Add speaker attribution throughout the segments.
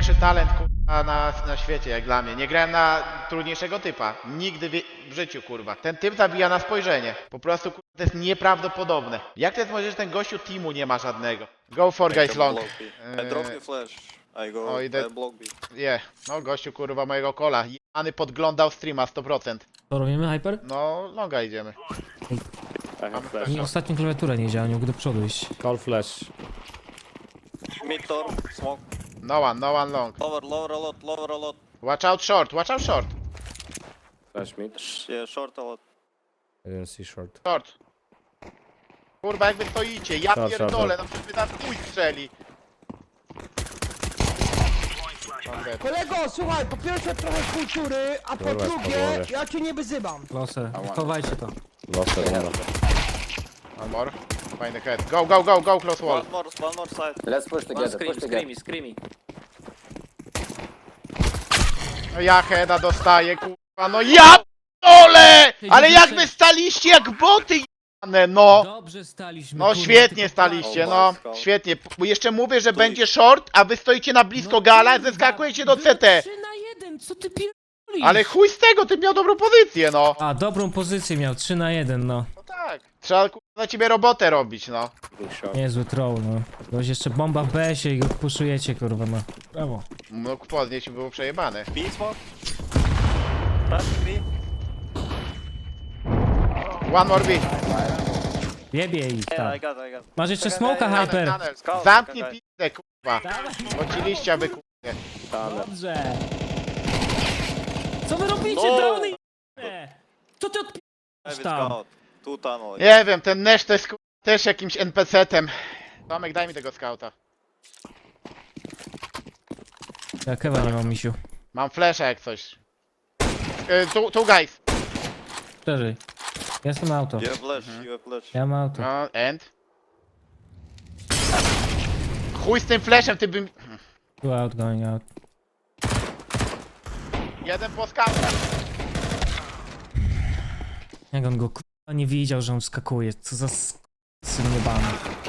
Speaker 1: najlepszy talent kurwa na świecie, jak dla mnie. Nie grałem na trudniejszego typa. Nigdy w życiu, kurwa. Ten typ zabija na spojrzenie. Po prostu, kurwa, to jest nieprawdopodobne. Jak to jest możliwe, że ten gościu teamu nie ma żadnego? Go for guys long.
Speaker 2: I drop you flash. I go.
Speaker 1: Oh,
Speaker 2: I block B.
Speaker 1: No gościu, kurwa, mojego kola. Jany podglądał streama 100%.
Speaker 3: To robimy hyper?
Speaker 1: No, longa idziemy.
Speaker 2: I have flash.
Speaker 3: Mi ostatnio klawiatura nie działa, nie mogę do przodu iść.
Speaker 4: Call flash.
Speaker 2: Mid door. Smoke.
Speaker 1: No one long.
Speaker 2: Lower a lot. Lower a lot.
Speaker 1: Watch out short.
Speaker 4: Flash mid.
Speaker 2: Yeah, short a lot.
Speaker 4: I didn't see short.
Speaker 1: Short. Kurwa, jak wy stoicie, ja
Speaker 4: Short,
Speaker 1: pierdolę,
Speaker 4: short.
Speaker 1: no przecież wy tam chuj strzeli.
Speaker 5: Kolego, słuchaj, po pierwsze trochę kultury, a po
Speaker 4: Dobra,
Speaker 5: drugie,
Speaker 4: spokojnie.
Speaker 5: ja cię nie wyzywam.
Speaker 3: Loser, chowajcie to.
Speaker 4: Lost it, no.
Speaker 1: One more. Find the head. Go, close wall.
Speaker 2: One more side.
Speaker 6: Let's push together, push together.
Speaker 7: Screamy.
Speaker 1: No ja heada dostaję, kurwa, no ja dole! Ale jak wy staliście jak boty jane, no!
Speaker 3: Dobrze staliśmy.
Speaker 1: No
Speaker 3: kurwa,
Speaker 1: świetnie
Speaker 3: tylko-
Speaker 1: staliście, no. Świetnie. Bo jeszcze mówię, że będzie short, a wy stoicie na blisko gala, zeskakujecie do
Speaker 3: Było
Speaker 1: CT.
Speaker 3: 3-1, co ty pierdolisz?
Speaker 1: Ale chuj z tego, ty miał dobrą pozycję, no.
Speaker 3: A, dobrą pozycję miał, 3-1, no.
Speaker 1: No tak. Trzeba kurwa na ciebie robotę robić, no.
Speaker 4: Big shot.
Speaker 3: Niezły troll, no. Ktoś jeszcze bomba w BS-ie i go puszujecie, kurwa, no. Brawo.
Speaker 1: Mógł podnieść i było przejebane.
Speaker 2: B smoke. Flashing B.
Speaker 1: One more B.
Speaker 3: Jebie ich
Speaker 2: Yeah,
Speaker 3: tam.
Speaker 2: I got.
Speaker 3: Masz jeszcze smoka,
Speaker 2: Tunnel,
Speaker 3: hyper.
Speaker 1: Tunnel.
Speaker 2: Scout,
Speaker 1: Zamknij
Speaker 2: czekaj.
Speaker 1: pizdę, kurwa. Bądź aby kurwa.
Speaker 3: Dobrze. Co wy robicie,
Speaker 2: No.
Speaker 3: drony? Co ty
Speaker 2: Heavy
Speaker 3: odpisz tam?
Speaker 2: scout. Two tunnel.
Speaker 1: Nie wiem, ten Nash to jest kurwa, też jakimś NPC-tem. Tomek, daj mi tego skauta.
Speaker 3: Ja kewa nie mam, misiu.
Speaker 1: Mam flasha jak coś. Tu guys.
Speaker 3: Szerzej. Jestem auto.
Speaker 2: You have flash. You have flash.
Speaker 3: Ja mam auto.
Speaker 1: No, and? Chuj z tym flashem, ty bym...
Speaker 3: Go out, going out.
Speaker 1: Jeden po skautach.
Speaker 3: Jak on go kurwa nie widział, że on skakuje. Co za syn niebany.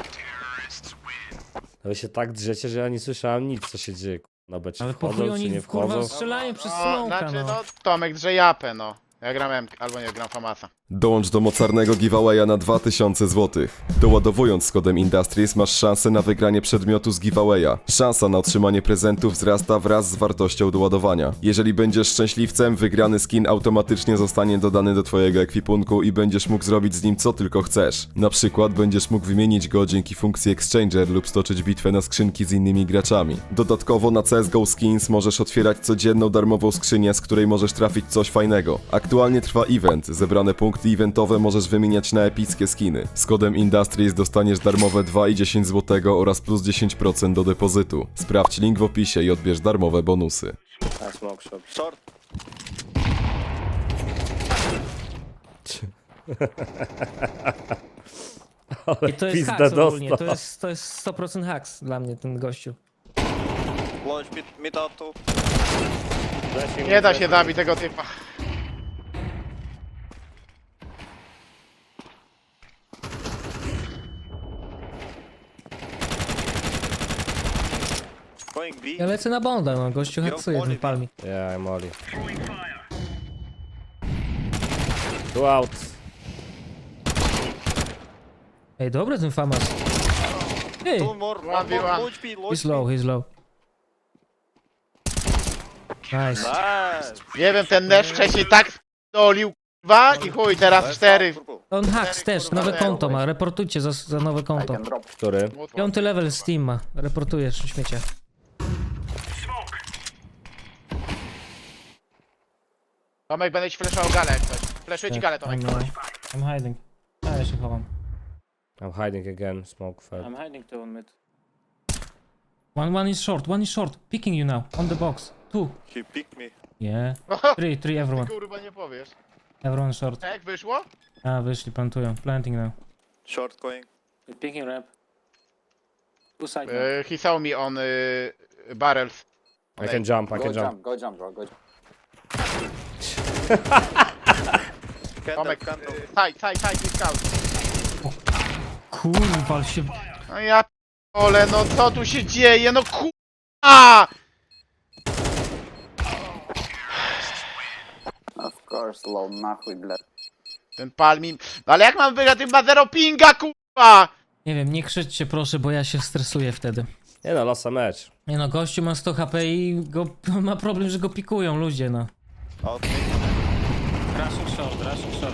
Speaker 4: Wy się tak drzecie, że ja nie słyszałem nic, co się dzieje. Na becie
Speaker 3: Ale po chuj
Speaker 4: wchodzą, czy
Speaker 3: oni
Speaker 4: nie
Speaker 3: kurwa
Speaker 4: wchodzą.
Speaker 3: strzelają przez
Speaker 1: No,
Speaker 3: smoka,
Speaker 1: znaczy,
Speaker 3: no.
Speaker 1: no, Tomek drze japę, no. Ja gram M, albo nie, gram Famasa.
Speaker 8: Dołącz do mocarnego giveawaya na 2000 zł. Doładowując z kodem Industries masz szansę na wygranie przedmiotu z giveawaya. Szansa na otrzymanie prezentów wzrasta wraz z wartością doładowania. Jeżeli będziesz szczęśliwcem, wygrany skin automatycznie zostanie dodany do twojego ekwipunku i będziesz mógł zrobić z nim co tylko chcesz. Na przykład będziesz mógł wymienić go dzięki funkcji Exchanger lub stoczyć bitwę na skrzynki z innymi graczami. Dodatkowo na CSGO Skins możesz otwierać codzienną darmową skrzynię, z której możesz trafić coś fajnego. Aktualnie trwa event, zebrane punkty eventowe możesz wymieniać na epickie skiny. Z kodem Industries dostaniesz darmowe 2,10 zł oraz plus 10% do depozytu. Sprawdź link w opisie i odbierz darmowe bonusy.
Speaker 4: A smoke shot.
Speaker 2: Short.
Speaker 3: I to jest
Speaker 4: Pizda
Speaker 3: haks ogólnie,
Speaker 4: dostał.
Speaker 3: to jest 100% haks dla mnie, ten gościu.
Speaker 2: Launch mid out two.
Speaker 1: Nie da się zabić tego typa.
Speaker 2: Going B.
Speaker 3: Ja lecę na bonda, no gościu haksuje ten palmi.
Speaker 4: Yeah, I'm Oli. Two out.
Speaker 3: Ej, dobry ten famas. Ej,
Speaker 2: Two more. One
Speaker 1: 1v1.
Speaker 2: more. Launch B.
Speaker 3: he's low, he's low. Nice.
Speaker 2: Nice.
Speaker 1: Nie wiem, ten Nash wcześniej tak dolił, kurwa, i chuj, teraz 4.
Speaker 3: On haks też, nowe konto ma, reportujcie za nowe
Speaker 6: I
Speaker 3: konto.
Speaker 6: can drop.
Speaker 4: Który?
Speaker 3: 5. level Steam ma, reportujesz śmiecia.
Speaker 1: Tomek, będę ci flashował galę jak coś. Flashuję ci galę, Tomek.
Speaker 3: I'm hiding. A, ja się chowam.
Speaker 4: I'm hiding again, smoke fed.
Speaker 7: I'm hiding to on mid.
Speaker 3: One is short, picking you now, on the box. 2.
Speaker 2: He picked me.
Speaker 3: Yeah. 3, everyone.
Speaker 1: Kurwa, nie powiesz.
Speaker 3: Everyone short.
Speaker 1: Jak wyszło?
Speaker 3: A, wyszli, plantują. Planting now.
Speaker 2: Short going.
Speaker 7: With picking ramp. Two side.
Speaker 1: He saw me on barrels.
Speaker 4: I can jump, I
Speaker 6: Go
Speaker 4: can jump.
Speaker 6: jump, go jump, bro, go jump.
Speaker 2: Candle,
Speaker 1: Tomek,
Speaker 2: candle.
Speaker 1: side, scout.
Speaker 3: Kurwa, się...
Speaker 1: No ja p***ole, no co tu się dzieje, no kurwa!
Speaker 6: course, low, нахуй, блядь.
Speaker 1: Ten palmin. No ale jak mam wygrać, tym ma 0 pinga, kurwa!
Speaker 3: Nie wiem, nie krzyczcie proszę, bo ja się stresuję wtedy.
Speaker 4: Nie no, losa mecz.
Speaker 3: Nie no, gościu ma 100 HP i go, ma problem, że go pikują ludzie, no.
Speaker 2: Out mid.
Speaker 7: Rushing short.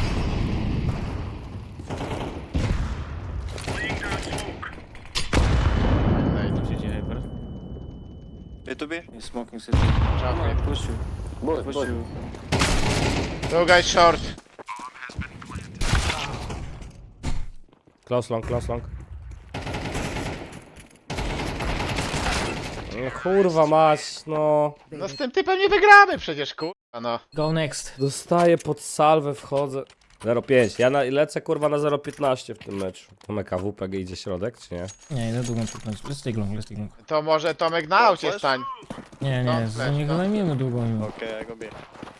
Speaker 7: Co się dzieje, bro?
Speaker 2: B2B.
Speaker 7: He's smoking city. Come on, push you.
Speaker 6: Boost,
Speaker 7: Push
Speaker 6: boost.
Speaker 7: you.
Speaker 1: Two guys short.
Speaker 4: Close long. No kurwa mać, no.
Speaker 1: No z tym typem nie wygramy przecież, kurwa, no.
Speaker 3: Go next.
Speaker 4: Dostaję pod salwę, wchodzę. 0,5. Ja lecę kurwa na 0,15 w tym meczu. Tomek AWP idzie środek, czy nie?
Speaker 3: Nie, idę długą piknąć. Let's take long.
Speaker 1: To może Tomek na aucie stań.
Speaker 3: Nie,
Speaker 1: No,
Speaker 3: nie,
Speaker 1: flash,
Speaker 3: nie
Speaker 1: no.
Speaker 3: zajmiemy długą.
Speaker 2: Okay, I go B.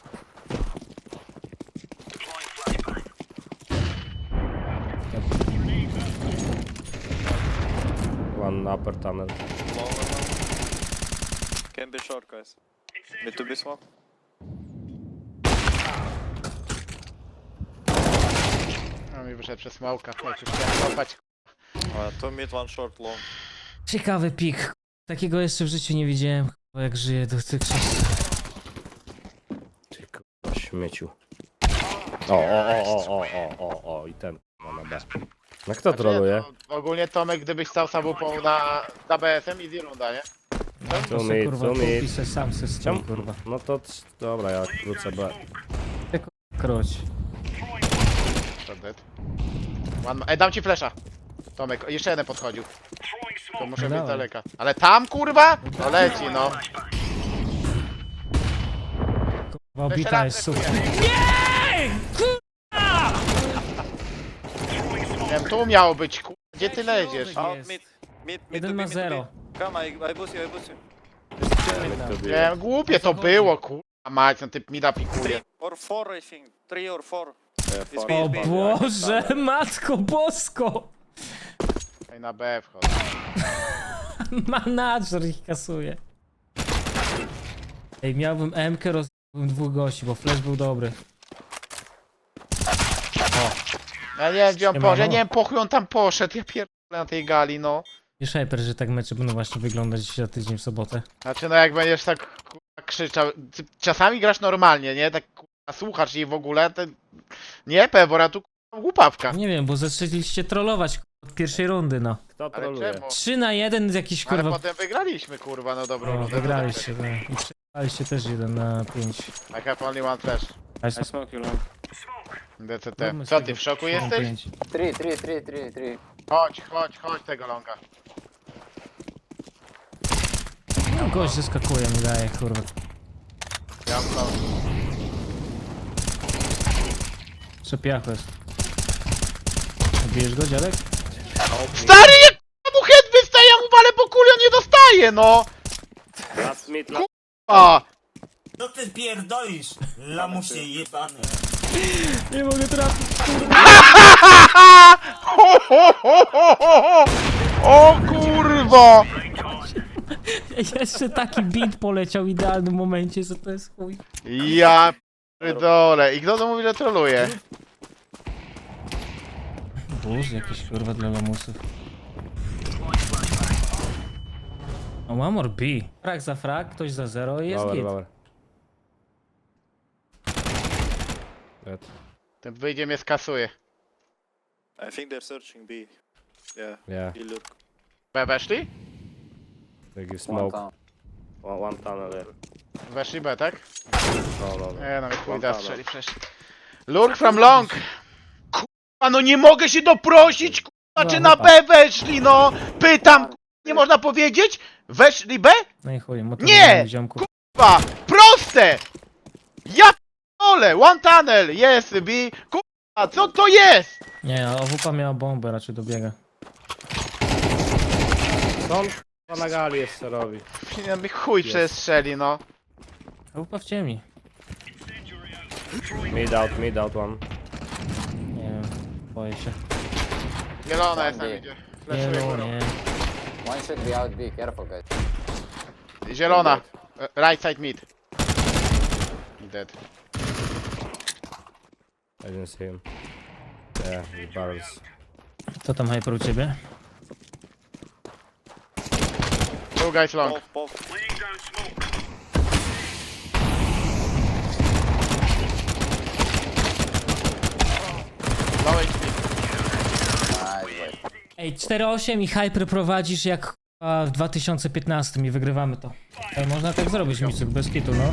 Speaker 4: One upper tunnel.
Speaker 2: Lower one. Can be short, guys. B2B smoke.
Speaker 1: No mi wyszedł przez smoka. Jak już chciałem kopać.
Speaker 2: Two mid, one short, long.
Speaker 3: Ciekawy pik. Takiego jeszcze w życiu nie widziałem, jak żyję do tych czasów.
Speaker 4: Ty kurwa śmieciu. O, i ten ma na B. No kto troluje?
Speaker 1: No, ogólnie Tomek, gdybyś stał samupą na BS-em, easy runda, nie?
Speaker 3: To se, kurwa, kupi
Speaker 4: mid.
Speaker 3: se sam se stoi,
Speaker 4: Czemu?
Speaker 3: kurwa.
Speaker 4: No to dobra, ja wrócę B.
Speaker 3: Kroć.
Speaker 1: Shot dead. Ej, dam ci flesza. Tomek, jeszcze jeden podchodził. To muszę być
Speaker 3: Dawaj.
Speaker 1: daleka. Ale tam, kurwa? No leci, no.
Speaker 3: Kurwa, obita
Speaker 1: raz
Speaker 3: jest super.
Speaker 1: Nie, wiem, tu miało być, kurwa. Gdzie ty leziesz?
Speaker 2: Out
Speaker 3: Jest.
Speaker 2: mid. Mid,
Speaker 3: Jeden ma 0.
Speaker 2: Come, I boost you.
Speaker 1: Nie wiem, głupie to było, kurwa. Mać, ten typ mida pikuje.
Speaker 2: 3 or 4, I think. 3 or 4. It's
Speaker 3: O
Speaker 2: B, it's B.
Speaker 3: Boże, matko bosko!
Speaker 1: Ej, na B wchodzę.
Speaker 3: Manager ich kasuje. Ej, miałbym M-kę, rozbiłbym dwóch gości, bo flash był dobry.
Speaker 1: Ja nie wiem, gdzie on
Speaker 3: Siemano.
Speaker 1: poszedł, ja nie wiem, po chuj on tam poszedł, ja pierdolę na tej gali, no.
Speaker 3: Wiesz, Hyper, że tak mecze będą właśnie wyglądać za tydzień w sobotę.
Speaker 1: Znaczy, no jak będziesz tak, kurwa, krzyczał, ty czasami grasz normalnie, nie? Tak, kurwa, słuchasz jej w ogóle, to... Nie, Pewora, tu, kurwa, głupawka.
Speaker 3: Nie wiem, bo zaczęliście trollować od pierwszej rundy, no.
Speaker 4: Kto
Speaker 1: Ale
Speaker 4: troluje?
Speaker 1: czemu?
Speaker 3: 3-1 z jakiś
Speaker 1: Ale
Speaker 3: kurwa...
Speaker 1: potem wygraliśmy, kurwa, no dobrą
Speaker 3: O,
Speaker 1: rundę.
Speaker 3: wygraliście, tak. I przegraliście też 1-5.
Speaker 1: I have only one flash.
Speaker 7: I smoke you long.
Speaker 1: DCT.
Speaker 3: Zróbmy z
Speaker 1: Co
Speaker 3: tego
Speaker 1: ty, w szoku
Speaker 3: 3-5.
Speaker 1: jesteś?
Speaker 6: 3.
Speaker 1: Chodź tego longa.
Speaker 3: No gość zeskakuje, mi daje, kurwa.
Speaker 1: Ja mam to.
Speaker 3: Przepiachu jest. Zabijesz go, dziadek?
Speaker 1: Stary, jak mu head wystaje, ja mu walę po kuli, on nie dostaje, no!
Speaker 4: Last mid, last...
Speaker 1: A!
Speaker 9: No ty pierdolisz, lamusie jebany.
Speaker 3: Nie mogę trafić.
Speaker 1: O kurwa!
Speaker 3: Jeszcze taki beat poleciał w idealnym momencie, że to jest chuj.
Speaker 1: Ja pierdolę. I kto to mówi, że troluje?
Speaker 3: Boże, jakieś kurwa dla lamusów. O, one more B. Frag za frag, ktoś za 0 i jest
Speaker 4: Lower,
Speaker 3: git.
Speaker 4: lower. Dead.
Speaker 1: Ten wyjdzie mnie skasuje.
Speaker 2: I think they're searching B. Yeah,
Speaker 4: Yeah,
Speaker 2: B look.
Speaker 1: B weszli?
Speaker 4: they give
Speaker 6: One
Speaker 4: smoke.
Speaker 6: down.
Speaker 4: One tunnel, yeah.
Speaker 1: Weszli B, tak?
Speaker 4: No.
Speaker 1: Nie no, mi chuj
Speaker 4: One
Speaker 1: da
Speaker 4: tunnel.
Speaker 1: strzeli przecież. Lurk from long! Kurwa, no nie mogę się doprosić, kurwa, czy na B weszli, no! Pytam, kurwa, nie można powiedzieć? Weszli B?
Speaker 3: No i chuj,
Speaker 1: Nie!
Speaker 3: ziomku.
Speaker 1: Kurwa, proste! Ja p***ole, one tunnel, jest B, kurwa, co to jest?
Speaker 3: Nie, OWP miała bombę, raczej dobiega.
Speaker 4: Co on k***a na gali jeszcze robi?
Speaker 1: Ja mi chuj przestrzeli, no.
Speaker 3: OWP w ciemni.
Speaker 4: Mid out one.
Speaker 3: Nie wiem, boję się.
Speaker 1: Zielona jest tam idzie.
Speaker 3: Nie,
Speaker 1: Fleszuję
Speaker 3: no,
Speaker 1: górą.
Speaker 3: nie.
Speaker 6: One should be out B, careful guys.
Speaker 1: Zielona. Right side mid. Dead.
Speaker 4: I didn't see him. Yeah, he barrels.
Speaker 3: Co tam Hyper u ciebie?
Speaker 1: Two guys long.
Speaker 2: Both.
Speaker 1: Low HP.
Speaker 6: Nice, boy.
Speaker 3: Ej, 4-8 i Hyper prowadzisz jak w 2015 i wygrywamy to. Ej, można tak zrobić, Micek, bez kitu, no.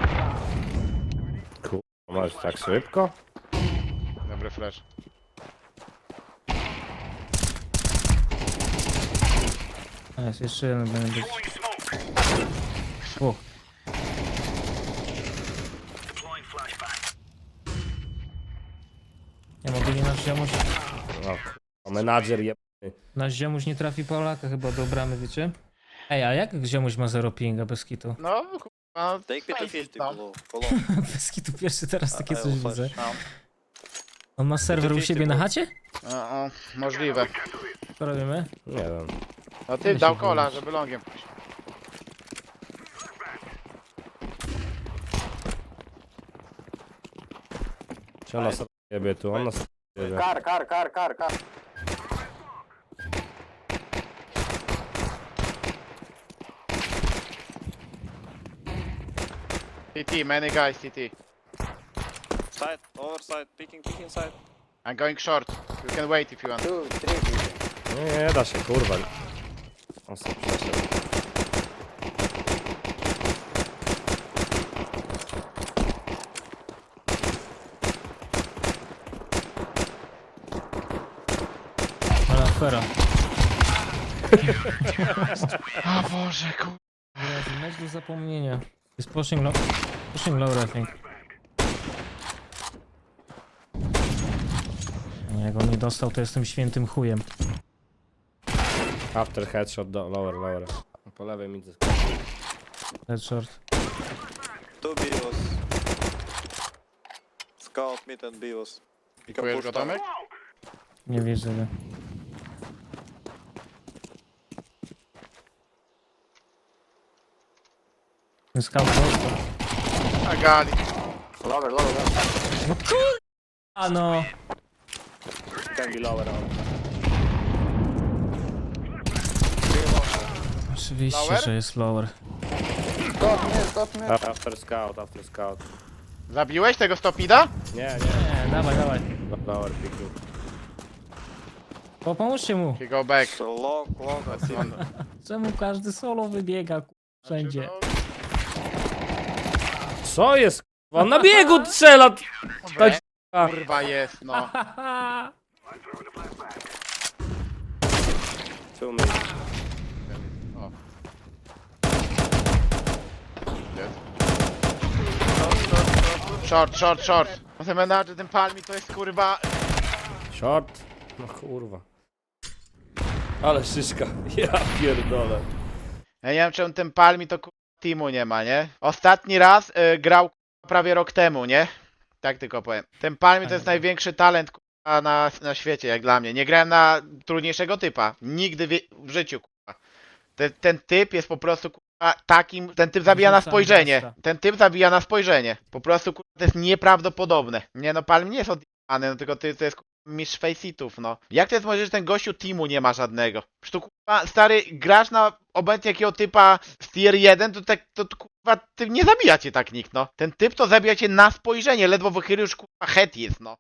Speaker 4: Masz tak szybko?
Speaker 1: Dobry flash.
Speaker 3: Jest, jeszcze jeden będzie być. O, nie mogę nie nasz ziomuś.
Speaker 4: No, menadżer je...
Speaker 3: Nasz ziomuś nie trafi Polaka chyba do bramy, wiecie? Ej, a jak ziomuś ma 0 pinga bez kitu?
Speaker 1: No, kurwa.
Speaker 2: Take me to
Speaker 1: face
Speaker 2: 50
Speaker 1: it, no.
Speaker 2: below.
Speaker 3: Bez kitu pierwszy teraz takie
Speaker 2: I
Speaker 3: coś
Speaker 2: will
Speaker 3: widzę.
Speaker 2: flash now.
Speaker 3: On ma serwer u siebie na chacie?
Speaker 1: O, możliwe.
Speaker 3: Co robimy?
Speaker 4: Nie wiem.
Speaker 1: No ty dał kola, żeby longiem pójść.
Speaker 4: Czy on nas jebie tu? On nas jebie.
Speaker 6: Car.
Speaker 1: TT, many guys, TT.
Speaker 2: Side, overside, peeking side.
Speaker 1: I'm going short. You can wait if you want.
Speaker 6: 2, 3 people.
Speaker 4: Nie da się, kurwa. On sobie przeszedł.
Speaker 3: Ale afera.
Speaker 1: O Boże, kurwa.
Speaker 3: Mecz do zapomnienia. Jest pushing low, I think. Jak on nie dostał, to jestem świętym chujem.
Speaker 4: After headshot, lower. Po lewej midzie.
Speaker 3: Headshot.
Speaker 2: 2 BOs. Scout mid and BOs. You can
Speaker 1: Kupujesz
Speaker 2: push
Speaker 1: go,
Speaker 2: down.
Speaker 1: Tomek?
Speaker 3: Nie widzę go. Ten scout dostał.
Speaker 1: A gali.
Speaker 6: Lower.
Speaker 3: A no!
Speaker 2: Can be lower now.
Speaker 3: Oczywiście,
Speaker 1: Lower?
Speaker 3: że jest lower.
Speaker 6: Stop me.
Speaker 4: After scout.
Speaker 1: Zabiłeś tego stopida?
Speaker 4: Nie.
Speaker 3: Nie, dawaj.
Speaker 4: Lower picking.
Speaker 3: Pomóżcie mu.
Speaker 1: He go back.
Speaker 2: So long.
Speaker 3: Czemu każdy solo wybiega wszędzie?
Speaker 4: Co jest? Kurwa? On na biegu strzela!
Speaker 1: Dobre. Kurwa jest, no.
Speaker 4: 2 minutes.
Speaker 1: Short. No ten menadżer, ten palmi to jest kurwa...
Speaker 4: Short. No kurwa. Ale szyszka. Ja pierdolę.
Speaker 1: Ja nie wiem czemu ten palmi to kurwa teamu nie ma, nie? Ostatni raz grał kurwa, prawie rok temu, nie? Tak tylko powiem. Ten palmi to jest największy talent kurwa na świecie, jak dla mnie. Nie grałem na trudniejszego typa. Nigdy w życiu kurwa. Ten typ jest po prostu kurwa takim... Ten typ zabija na spojrzenie. Ten typ zabija na spojrzenie. Po prostu kurwa to jest nieprawdopodobne. Nie no, palmi nie jest odjebany, no tylko to jest kurwa mistrz faceitów, no. Jak to jest możliwe, że ten gościu teamu nie ma żadnego? Przecież tu kurwa, stary, grasz na obecnie jakiego typa z tier 1, to kurwa, ty nie zabija cię tak nikt, no. Ten typ to zabija cię na spojrzenie, ledwo wychylił już kurwa head jest, no.